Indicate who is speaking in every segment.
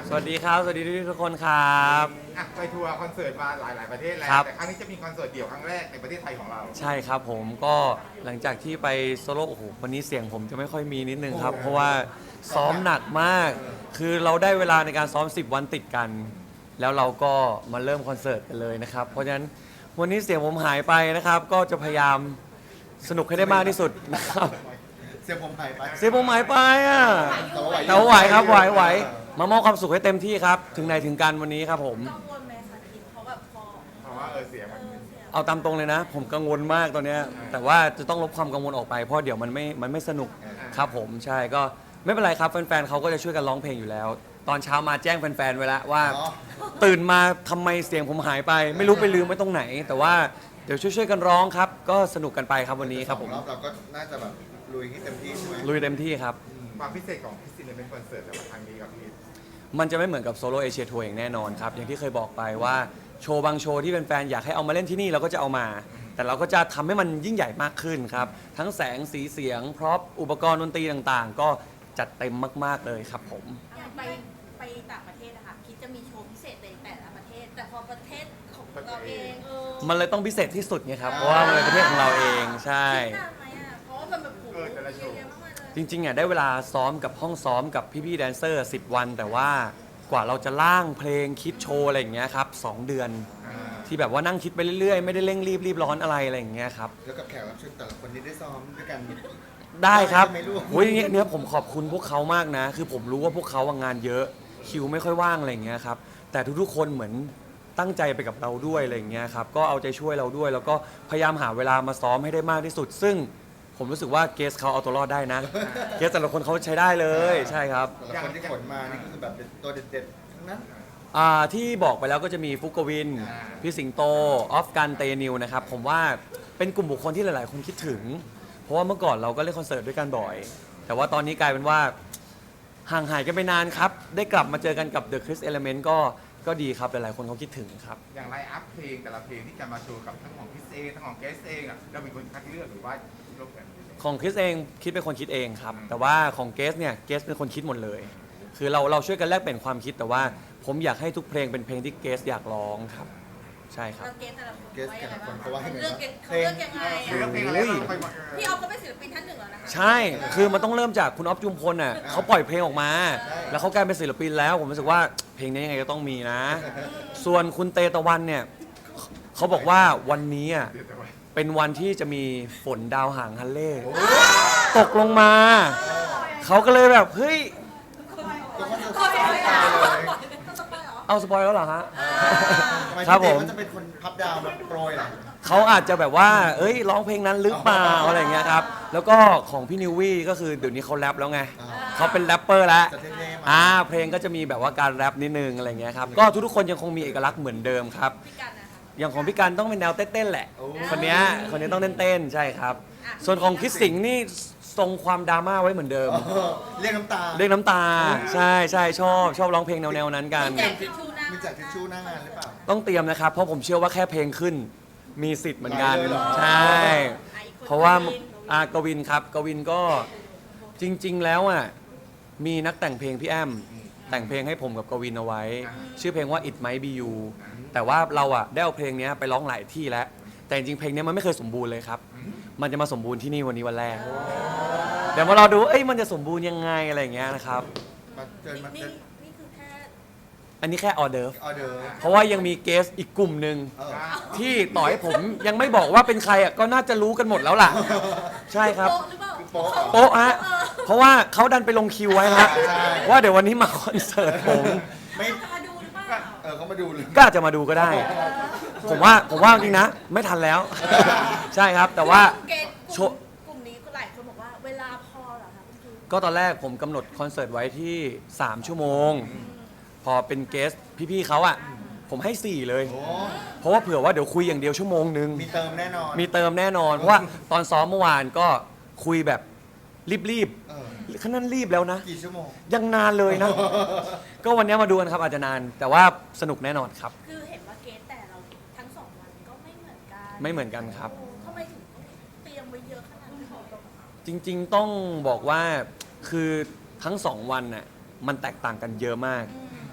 Speaker 1: สวัสดีครับสวัสดีทุกคนครับ
Speaker 2: ไปทัวร์คอนเสิร์ตมาหลายประเทศแล้ว
Speaker 1: ครับ
Speaker 2: แต่ครั้งนี้จะมีคอนเสิร์ตเดี่ยวครั้งแรกในประเทศไทยของเรา
Speaker 1: ใช่ครับผมก็หลังจากที่ไปโซโล่โอ้โหวันนี้เสียงผมจะไม่ค่อยมีนิดนึงครับเพราะว่าซ้อมหนักมากคือเราได้เวลาในการซ้อม10วันติดกัน แล้วเราก็มาเริ่มคอนเสิร์ตกันเลยนะครับเพราะฉะนั้นวันนี้เสียงผมหายไปนะครับก็จะพยายามสนุกให้ได้มากที่สุดนะครับ
Speaker 3: เสียงผมหายไป
Speaker 1: เสียงผมหายไปอ่ะแต่
Speaker 3: แต่
Speaker 1: ว่าไหวครับไหวมามอบความสุขให้เต็มที่ครับถึงไหนถึงกันวันนี้ครับผม
Speaker 4: กังวลไหมคะคิดเพราะแบบพอ
Speaker 2: เพราะว่าเสียงมัน
Speaker 1: เอาตามตรงเลยนะ ผมกังวลมากตอนเนี้ยแต่ว่าจะต้องลบความกังวลออกไปเพราะเดี๋ยวมันไม่สนุกครับผมใช่ก็ไม่เป็นไรครับแฟนๆเขาก็จะช่วยกันร้องเพลงอยู่แล้ว ตอนเช้ามาแจ้งแฟนๆไว้แล้วว่า ตื่นมาทำไมเสียงผมหายไป ไม่รู้ไปลืมไว้ตรงไหน แต่ว่าเดี๋ยวช่วยๆกันร้องครับก็สนุกกันไปครับวันนี้ครับผม
Speaker 3: รอบเราก็น่าจะแบบลุยให้เต็มที่ใช่ไหม
Speaker 1: ลุยเต็มที่ครับ
Speaker 2: ความพิเศษของพิซซี่เป็นคอนเสิร์ตแต่ว่าครั้งนี้กับพี่
Speaker 1: มันจะไม่เหมือนกับโซโล่เอเชียทัวร์อย่างแน่นอนครับอย่างที่เคยบอกไปว่าโชว์บางโชว์ที่แฟนๆอยากให้เอามาเล่นที่นี่เราก็จะเอามา แต่เราก็จะทำให้มันยิ่งใหญ่มากขึ้นครับทั้งแสงสีเสียงพร็อพอุปกรณ์ดนตรีต่างๆ ก็จัดเต็มมากๆเลยครับผม
Speaker 4: อย่างไปต่างประเทศนะคะคิดจะมีโชว์พิเศษในแต่ละประเทศ แต่พอประเทศของเราเอง
Speaker 1: มันเลยต้องพิเศษที่สุดไงครับเพราะว่ามันเป็นประเทศของเราเองใช่
Speaker 4: คิดนานไหมอ่ะเพราะว่ามันแบบโหเยอะแยะมากมายเลย
Speaker 1: จริงๆอ่ะได้เวลาซ้อมกับห้องซ้อมกับพี่ๆแดนเซอร์10 วัน แต่ว่ากว่าเราจะล่างเพลงคิดโชว์อะไรอย่างเงี้ยครับ2 เดือนที่แบบว่านั่งคิดไปเรื่อยๆไม่ได้เร่งรีบร้อนอะไรอะไรอย่างเงี้ยครับ
Speaker 3: แล้วกับแขกรับเชิญแต่ละคนนี้ได้ซ้อมด้วยกัน
Speaker 1: ได้ครับ
Speaker 3: ไม่รู้
Speaker 1: โอ้ยเนี่ยผมขอบคุณพวกเขามากนะ คือผมรู้ว่าพวกเขางานเยอะคิวไม่ค่อยว่างอะไรอย่างเงี้ยครับแต่ทุกๆคนเหมือนตั้งใจไปกับเราด้วยอะไรอย่างเงี้ยครับก็เอาใจช่วยเราด้วย แล้วก็พยายามหาเวลามาซ้อมให้ได้มากที่สุด ซึ่งผมรู้สึกว่าเกสเขาเอาตัวรอดได้นะเกสแต่ละคนเขาใช้ได้เลยใช่ครับ
Speaker 3: แต่ละคนที่ขนมานี่ก็คือแบบเป็นตัวเด็ดๆทั้งนั้น
Speaker 1: ที่บอกไปแล้วก็จะมีฟุกกวินพี่สิงโตออฟกันเตนิวนะครับผมว่าเป็นกลุ่มบุคคลที่หลายๆ คนคิดถึง เพราะว่าเมื่อก่อนเราก็เล่นคอนเสิร์ตด้วยกันบ่อย แต่ว่าตอนนี้กลายเป็นว่าห่างหายกันไปนานครับ ได้กลับมาเจอกันกับ The Chris Element ก็ดีครับ หลายๆ คนเขาคิดถึงครับ
Speaker 2: อย่างไลน์อัพเพลงแต่ละเพลงที่จะมาโชว์กับทั้งของพิซเองทั้งของเกสเองเราเป็นคนคัดเลือกหรือว่าร่วมกัน
Speaker 1: ของคริสเองคิดเป็นคนคิดเองครับ แต่ว่าของเกสเนี่ยเกสเป็นคนคิดหมดเลย คือเราช่วยกันแลกเปลี่ยนความคิดแต่ว่าผมอยากให้ทุกเพลงเป็นเพลงที่เกสอยากร้องครับ ใช่ครับ
Speaker 4: แล้วเกสแต่ละคน
Speaker 3: เกสแต่ละคนเขาว่ายังไง
Speaker 4: เลือก
Speaker 3: บ้าง
Speaker 4: เขาเลือกยังไง
Speaker 2: เลือก
Speaker 4: อ่ะ
Speaker 2: เพลงอะไรเราไปหมด
Speaker 4: พี่ออฟก็เป็นศิลปินท่านหนึ่งแล้วนะคะ
Speaker 1: ใช่ คือมันต้องเริ่มจากคุณอ๊อฟจุมพลน่ะเขาปล่อยเพลงออกมา แล้วเขากลายเป็นศิลปินแล้ว ผมรู้สึกว่าเพลงนี้ยังไงก็ต้องมีนะ ส่วนคุณเตตะวันเนี่ยเขาบอกว่าวันนี้อ่ะเป็นวันที่จะมีฝนดาวหางฮันเล่ตกลงมา เขาก็เลยแบบเฮ้ย
Speaker 3: ก็ว่าจะตายเลย
Speaker 1: เอาสปอยแล้วเหรอฮะ
Speaker 3: ทำไม
Speaker 1: ครับ
Speaker 3: พี่
Speaker 1: ผ
Speaker 3: เต้
Speaker 1: ม
Speaker 3: ก็จะเป็นคนพับดาวแบบโปรยล่ะ
Speaker 1: เขาอาจจะแบบว่า เอ้ยร้องเพลงนั้นหรือเปล่าอะไรอย่างเงี้ยครับ แล้วก็ของพี่นิววี่ก็คือเดี๋ยวนี้เขาแรปแล้วไง เขาเป็นแรปเปอร์แล้ว
Speaker 3: จะเท่ๆมา
Speaker 1: เพลงก็จะมีแบบว่าการแรปนิดนึงอะไรเงี้ยครับ ก็ทุกๆคนยังคงมีเอกลักษณ์เหมือนเดิมครับ
Speaker 4: พี่กันนะคะ
Speaker 1: อย่างของพี่การต้องเป็นแนวเต้นๆแหละ คนเนี้ยต้องเต้นๆใช่ครับ ส่วนของคิดสิงห์นี่ทรงความดราม่าไว้เหมือนเดิม
Speaker 3: เรียกน้ำตา
Speaker 1: เรียกน้ำตา ใช่ชอบร้องเพลงแนวๆนั้นกัน
Speaker 4: แจกทิชชู่หน้า
Speaker 3: มีแจกทิชชู่หน้างานหรือเปล่า
Speaker 1: ต้องเตรียมนะครับ เพราะผมเชื่อว่าแค่เพลงขึ้น มีสิทธิ์เหมือนกัน
Speaker 3: ได้เลยเหรอ
Speaker 1: ใช่ เพราะว่ากวินครับกวินก็จริง ๆ แล้วอ่ะมีนักแต่งเพลงพี่แอมแต่งเพลงให้ผมกับกวินเอาไว้ ชื่อเพลงว่า It Might Be You แต่ว่าเราอ่ะได้เอาเพลงนี้ไปร้องหลายที่แล้ว แต่จริงๆเพลงนี้มันไม่เคยสมบูรณ์เลยครับ มันจะมาสมบูรณ์ที่นี่วันนี้วันแรก เดี๋ยวมาเราดูเอ้ยมันจะสมบูรณ์ยังไงอะไรอย่างเงี้ยนะครับ
Speaker 3: มาเชิญมา
Speaker 4: นี่
Speaker 3: เชิญ
Speaker 4: นี่คือแค่
Speaker 1: อันนี้แค่ออเดิร์ฟ
Speaker 3: ออเดอร์
Speaker 1: เพราะว่ายังมีเกสอีกกลุ่มหนึ่ง
Speaker 3: เออ
Speaker 1: ที่ต่อให้ผมยังไม่บอกว่าเป็นใครอ่ะก็น่าจะรู้กันหมดแล้วล่ะ ใช่ครับ
Speaker 4: โป๊ะหรือเปล่า
Speaker 3: โป๊ะ
Speaker 1: โป๊ะฮะเพราะว่าเขาดันไปลงคิวไว้ฮะว่าเดี๋ยววันนี้มาคอนเสิร์ตผม
Speaker 3: ไม่
Speaker 4: จะมาดูหรือเปล่า
Speaker 3: เขามาดูเลย
Speaker 1: ก็อาจจะมาดูก็ได้ ผมว่าจริงนะ ไม่ทันแล้ว ใช่ครับแต่ว่า
Speaker 4: เกณฑ์
Speaker 1: โช
Speaker 4: กลุ่มนี้ก็หลายคนบอกว่าเวลาพอเหรอคะคุณครู
Speaker 1: ก็ตอนแรกผมกำหนดคอนเสิร์ตไว้ที่ 3 ชั่วโมง พอเป็นเกสพี่ๆเขาอ่ะผมให้ 4 เลย
Speaker 3: โอ้
Speaker 1: เพราะว่าเผื่อว่าเดี๋ยวคุยอย่างเดียวชั่วโมงนึง
Speaker 3: มีเติมแน่นอน
Speaker 1: มีเติมแน่นอน เพราะว่าตอนซ้อมเมื่อวานก็คุยแบบรีบ
Speaker 3: เออ
Speaker 1: ๆขนาดรีบแล้วนะ
Speaker 3: กี่ชั่วโมง
Speaker 1: ยังนานเลยนะ ก็วันนี้มาดูกันครับอาจจะนาน แต่ว่าสนุกแน่นอนครับ
Speaker 4: คือเห็นว่าเกณฑ์แต่เราทั้งสองวันก็ไม่เหมือนกัน
Speaker 1: ไม่เหมือนกันครับ
Speaker 4: โอ้ทำไมถึงต้องเตรียมไว้เยอะขนาดนั้น
Speaker 1: จริงๆต้องบอกว่าคือทั้ง 2 วันน่ะมันแตกต่างกันเยอะมาก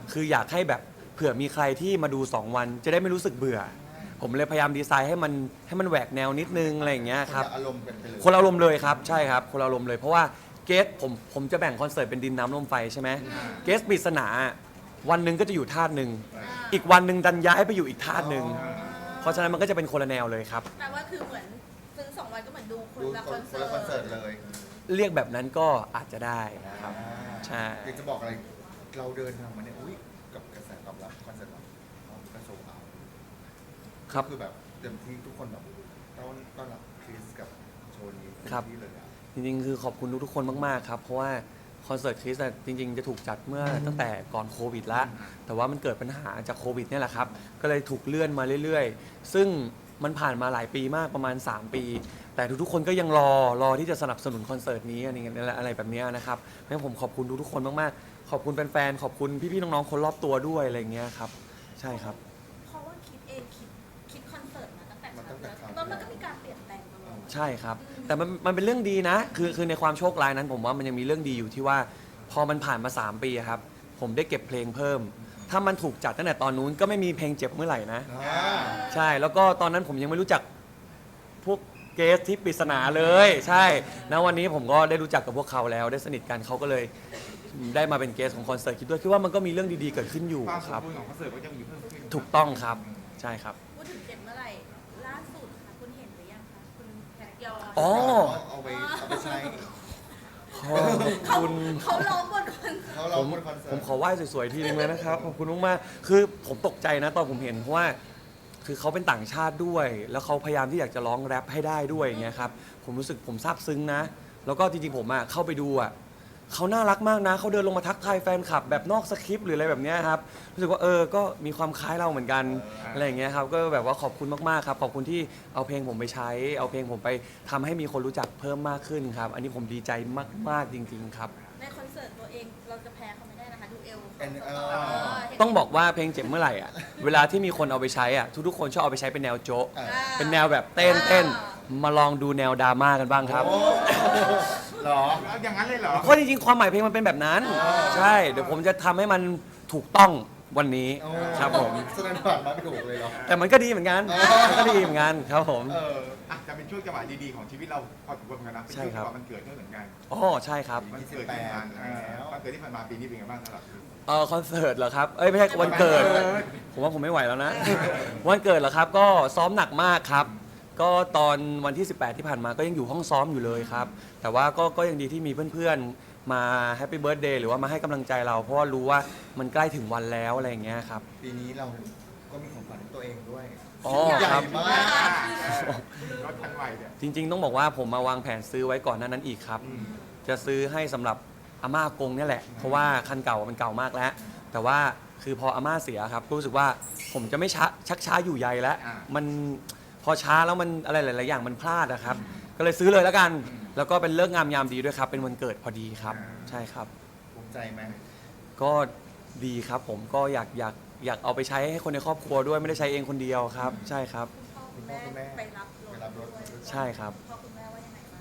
Speaker 1: คืออยากให้แบบเผื่อมีใครที่มาดู 2 วันจะได้ไม่รู้สึกเบื่อ ผมเลยพยายามดีไซน์ให้มันแหวกแนวนิดนึงอะไรอย่างเงี้ยครับ
Speaker 3: นละอารมณ์กันไปเลย
Speaker 1: คนละอารมณ์เลยครับใช่ครับคนละอารมณ์เลยเพราะว่าเกสผมจะแบ่งคอนเสิร์ตเป็นดินน้ำลมไฟใช่ไหมเกสปริศนาวันหนึ่งก็จะอยู่ธาตุหนึ่งอีกวันหนึ่งดันย้ายไปอยู่อีกธาตุหนึ่งเพราะฉะนั้นมันก็จะเป็นคนละแนวเลยครับ
Speaker 4: แปลว่าคือเหมือนซื้อ2 วันก็เหมือนดูคน
Speaker 3: ดู
Speaker 4: ละ
Speaker 3: ค
Speaker 4: คอน น
Speaker 3: ค
Speaker 4: เสิ
Speaker 3: น
Speaker 4: ร์
Speaker 3: ละคอนเสิร์ต
Speaker 4: ต
Speaker 3: เลย
Speaker 1: เรียกแบบนั้นก็อาจจะได้ครับ ใช่
Speaker 3: อยากจะบอกอะไรเราเดินทางมาเนี่ยอุ้ยกับกระแสตอบรับคอนเสิร์ตเราก็โซเอา
Speaker 1: ครับ
Speaker 3: คือแบบเต็มที่ทุกคนแบบต้อนรับคริสกับโชว์นี้เต็ม
Speaker 1: ครับ
Speaker 3: ที่เลยอะ
Speaker 1: จริงๆคือขอบคุณทุกๆคนมากๆครับเพราะว่าคอนเสิร์ตคริสจริงๆจะถูกจัดเมื่อตั้งแต่ก่อนโควิดละแต่ว่ามันเกิดปัญหาจากโควิดเนี่ยแหละครับก็เลยถูกเลื่อนมาเรื่อยๆ ซึ่งมันผ่านมาหลายปีมากประมาณ 3 ปี แต่ทุกๆคนก็ยังรอที่จะสนับสนุนคอนเสิร์ตนี้อะไรแบบเนี้ยนะครับเพราะฉะนั้นผมขอบคุณทุกๆคนมากๆขอบคุณแฟนๆขอบคุณพี่ๆน้องๆคนรอบตัวด้วยอะไรอย่างเงี้ยครับใช่ครับ
Speaker 4: เพราะว่าคิดเองคิดคอนเสิร์ตมาตั้งแต่
Speaker 3: มาตั้งแต่ครั้ง
Speaker 4: แล้วมันก็มีการเปลี่ยนแปลงตลอด
Speaker 1: ใช่ครับ แต่มันเป็นเรื่องดีนะ คือในความโชคร้ายนั้นผมว่ามันยังมีเรื่องดีอยู่ที่ว่า พอมันผ่านมา 3 ปีอะครับ ผมได้เก็บเพลงเพิ่ม ถ้ามันถูกจัดตั้งแต่ตอนนู้นก็ไม่มีเพลงเจ็บเมื่อไหร่นะ ใช่ แล้วก็ตอนนั้นผมยังไม่รู้จักพวกเกสที่ปริศนาเลย ใช่ณวันนี้ผมก็ได้รู้จักกับพวกเขาแล้วได้สนิทกันเขาก็เลยได้มาเป็นเกสของคอนเสิร์ตคิดด้วยคิดว่ามันก็มีเรื่องดีๆเกิดขึ้นอยู่
Speaker 2: ความส
Speaker 1: ค
Speaker 2: ม
Speaker 1: รับ
Speaker 2: บูรณ์ของคอนเสิร์ตก็จะมีเพิ่มขึ้น
Speaker 1: ถูกต้องครับ ใช่ครับ
Speaker 4: พูดถึงเจ็บเมื่อไหร่ล่าสุดค่ะคุณเห็นหรือยังคะคุณแพทยอน
Speaker 1: อ๋อ
Speaker 3: เอาไปใช้
Speaker 1: ขอบคุณ
Speaker 4: เขาร้องบนคอน
Speaker 3: เขาเราบนคอนเสิ
Speaker 1: ผ
Speaker 3: ร์
Speaker 1: ม
Speaker 3: ต
Speaker 1: ขอไหว้สวยๆทีนึงเลยนะครับ ขอบคุณมากๆคือผมตกใจนะตอนผมเห็นเพราะว่าคือเขาเป็นต่างชาติด้วย แล้วเขาพยายามที่อยากจะร้องแรปให้ได้ด้วยอย่างเงี้ยครับผมรู้สึกผมซาบซึ้งนะ แล้วก็จริงๆผมเข้าไปดูเขาน่ารักมากนะเขาเดินลงมาทักทายแฟนคลับแบบนอกสคริปต์หรืออะไรแบบเนี้ยครับรู้สึกว่าก็มีความคล้ายเราเหมือนกันอะไรอย่างเงี้ยครับก็แบบว่าขอบคุณมากๆครับขอบคุณที่เอาเพลงผมไปใช้ เอาเพลงผมไปทำให้มีคนรู้จักเพิ่มมากขึ้นครับอันนี้ผมดีใจมากๆจริงๆครับ
Speaker 4: ในคอนเสิร์ตตัวเองเราจะแพ้เขาไม่ได้นะคะดูเอล
Speaker 3: เห็น
Speaker 1: ต้องบอกว่าเพลงเจ็บเมื่อไหร่เวลาที่มีคนเอาไปใช้ทุกๆคนชอบเอาไปใช้เป็นแนวโจ๊ะ เป็นแนวแบบเต้นมาลองดูแนวดราม่ากันบ้างครับ
Speaker 3: โอ้เหรอ
Speaker 2: เอาอย่างนั้นเลยเหรอ
Speaker 1: เพราะจริงๆความหมายเพลงมันเป็นแบบนั้น ใช่เดี๋ยวผมจะทำให้มันถูกต้องวันนี้ครับผม
Speaker 3: แสดงผ่านมาไม่ถูกเลยเหรอ
Speaker 1: แต่มันก็ดีเหมือนกันมันก็ดีเหมือนกันครับผม
Speaker 2: อ่ะจะเป็นช่วงจังหวะดีๆของชีวิตเราพอสมควรเหมือนกันนะเป็นช่วงจังหวะมันเกิดด้วยเหมือนกัน
Speaker 1: อ๋อใช่ครับ
Speaker 2: มันเกิดที่ผ่านมาวันเกิดที่ผ่านมาปีนี้เป็นไงบ้างสำหรับคุณ
Speaker 1: คอนเสิร์ตเหรอครับไม่ใช่วันเกิด ผมว่าผมไม่ไหวแล้วนะ วันเกิดเหรอครับก็ซ้อมหนักมากครับ ก็ตอนวันที่ 18 ที่ผ่านมาก็ยังอยู่ห้องซ้อมอยู่เลยครับ แต่ว่าก็ยังดีที่มีเพื่อนๆมาแฮปปี้เบิร์ a เดย์หรือว่ามาให้กำลังใจเรา เพราะว่ารู้ว่ามันใกล้ถึงวันแล้วอะไรอย่างเงี้ยครับ
Speaker 3: ปีนี้เราก็มีของขวัญให้ตัวเองด้วย
Speaker 1: อ๋อ
Speaker 3: ใหญ่
Speaker 1: ครับ
Speaker 3: มาก
Speaker 2: รถคันใหม่เนี่ย
Speaker 1: จริงๆ ต้องบอกว่าผมมาวางแผนซื้อไว้ก่อนหน้านั้นอีกครับ จะซื้อให้สำหรับอาม่ากงเนี่ยแหละ เพราะว่าคันเก่ามันเก่ามากแล้ว แต่ว่าคือพออาม่าเสียครับก็รู้สึกว่าผมจะไม่ชักช้าอยู่ใยแล้ว มันพอช้าแล้วมันอะไรหลายๆอย่างมันพลาดนะครับ ก็เลยซื้อเลยแล้วกัน แล้วก็เป็นเลิกษ์งามยามดีด้วยครับ เป็นวันเกิดพอดีครับ ใช่ครับ
Speaker 3: ภูมิใจไหม
Speaker 1: ก็ดีครับผมก็อยากเอาไปใช้ให้คนในครอบครัวด้วยไม่ได้ใช้เองคนเดียวครับ ใช่ครับ
Speaker 4: คุณพ่อคุณแม่ไปรับรถด้วย
Speaker 1: ใช่ครับ
Speaker 4: พ่อคุณแม่ว่ายังไงบ้าง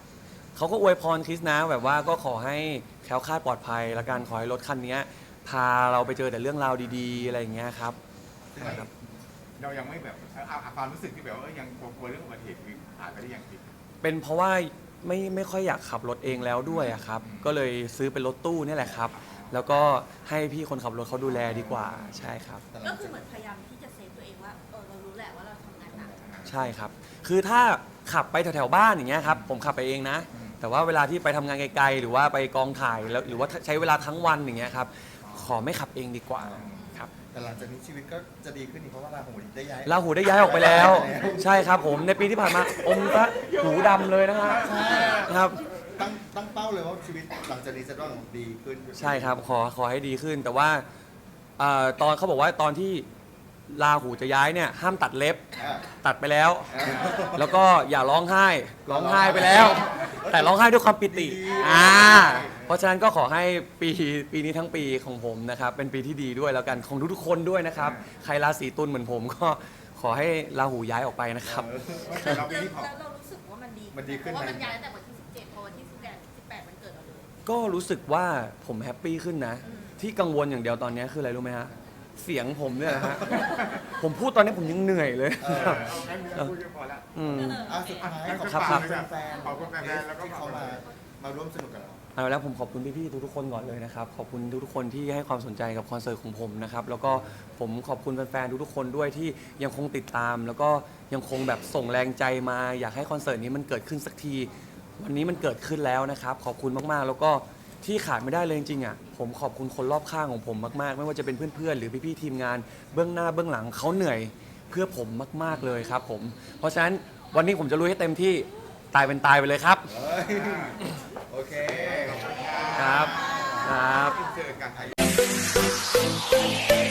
Speaker 1: เขาก็อวยพรคริสนะแบบว่าก็ขอให้แคล้วคลาดปลอดภัยและการขอให้รถคันนี้พาเราไปเจอแต่เรื่องราวดีๆ อะไรอย่างเงี้ยครับครับ
Speaker 2: เรายังไม่แบบความรู้สึกที่แบบว่ายังกลัวเรื่องอุบัติเหตุผ่านไปได้ยังพี่
Speaker 1: เป็นเพราะว่าไม่ค่อยอยากขับรถเองแล้วด้วยอะครับ ก็เลยซื้อเป็นรถตู้นี่แหละครับ แล้วก็ให้พี่คนขับรถเขาดูแลดีกว่าใช่ครับ
Speaker 3: แต่ห
Speaker 4: ก็
Speaker 3: ลัง
Speaker 4: คือ
Speaker 3: จาก
Speaker 4: เหมือนพยายามที่จะเซฟตัวเองว่าเรารู้แหละว่าเราทำงานหนัก
Speaker 1: ใช่ครับ คือถ้าขับไปแถวๆบ้านอย่างเงี้ยครับผมขับไปเองนะ แต่ว่าเวลาที่ไปทำงานไกลๆหรือว่าไปกองถ่ายแล้วหรือว่าใช้เวลาทั้งวันอย่างเงี้ยครับขอไม่ขับเองดีกว่าครับ
Speaker 3: แต่หลังจากนี้ชีวิตก็จะดีขึ้นอีกเพราะว่าราหูได้ย้าย
Speaker 1: ลาหูได้ย้ายออกไปแล้ว ใช่ครับผมในปีที่ผ่านมาอมพระหูดำเลยนะฮะครับ
Speaker 3: ตั้งเป้าเลยว่าชีวิตหลังจากนี้จะต้องดีขึ้น
Speaker 1: ใช่ครับขอให้ดีขึ้น แต่ว่าตอนเขาบอกว่าตอนที่ลาหูจะย้ายเนี่ยห้ามตัดเล็บ ตัดไปแล้ว แล้วก็อย่าร้องไห้ไปแล้ว แต่ร้องไห้ด้วยความปิติเพราะฉะนั้นก็ขอให้ปีนี้ทั้งปีของผมนะครับเป็นปีที่ดีด้วยแล้วกันของทุกๆคนด้วยนะครับใครราศีตุลเหมือนผมก็ขอให้ราหูย้ายออกไปนะครับ
Speaker 2: เราปีนี้ขอ
Speaker 4: แล้วเรารู้สึกว่ามันดีเพราะว่ามันย้ายตั้งแต่วันที่17พอวันที่18มันเกิดเราเลย
Speaker 1: ก็รู้สึกว่าผมแฮปปี้ขึ้นนะ ที่กังวลอย่างเดียวตอนนี้คืออะไรรู้ไหมฮะเสียงผมเนี่ยนะฮะ ผมพูดตอนนี้ผมยังเหนื่อยเลย
Speaker 2: เอางั้นเราพูดกันพอละ
Speaker 1: อืม
Speaker 3: สุดท้าย
Speaker 1: ครับ
Speaker 3: ขอบคุณแฟน
Speaker 2: ขอบคุณแฟนๆแล้วก็
Speaker 3: ที่เขามาร่วมสนุกกับเรา
Speaker 1: เอาแล้วผมขอบคุณพี่ๆทุกๆคนก่อนเลยนะครับ ขอบคุณทุกๆคนที่ให้ความสนใจกับคอนเสิร์ตของผมนะครับ แล้วก็ผมขอบคุณแฟนๆทุกๆคนด้วยที่ยังคงติดตาม แล้วก็ยังคงแบบส่งแรงใจมา อยากให้คอนเสิร์ตนี้มันเกิดขึ้นสักที วันนี้มันเกิดขึ้นแล้วนะครับ ขอบคุณมากๆ แล้วก็ที่ขาดไม่ได้เลยจริงๆอ่ะผมขอบคุณคนรอบข้างของผมมากๆ ไม่ว่าจะเป็นเพื่อนๆหรือพี่ๆทีมงานเบื้องหน้าเบื้องหลังเขาเหนื่อยเพื่อผมมากๆเลยครับผมเพราะฉะนั้นวันนี้ผมจะลุยให้เต็มที่ตายเป็นตายไปเลยครับ
Speaker 3: เฮ้ยโอเค
Speaker 1: ครับครับ
Speaker 2: เจอกัน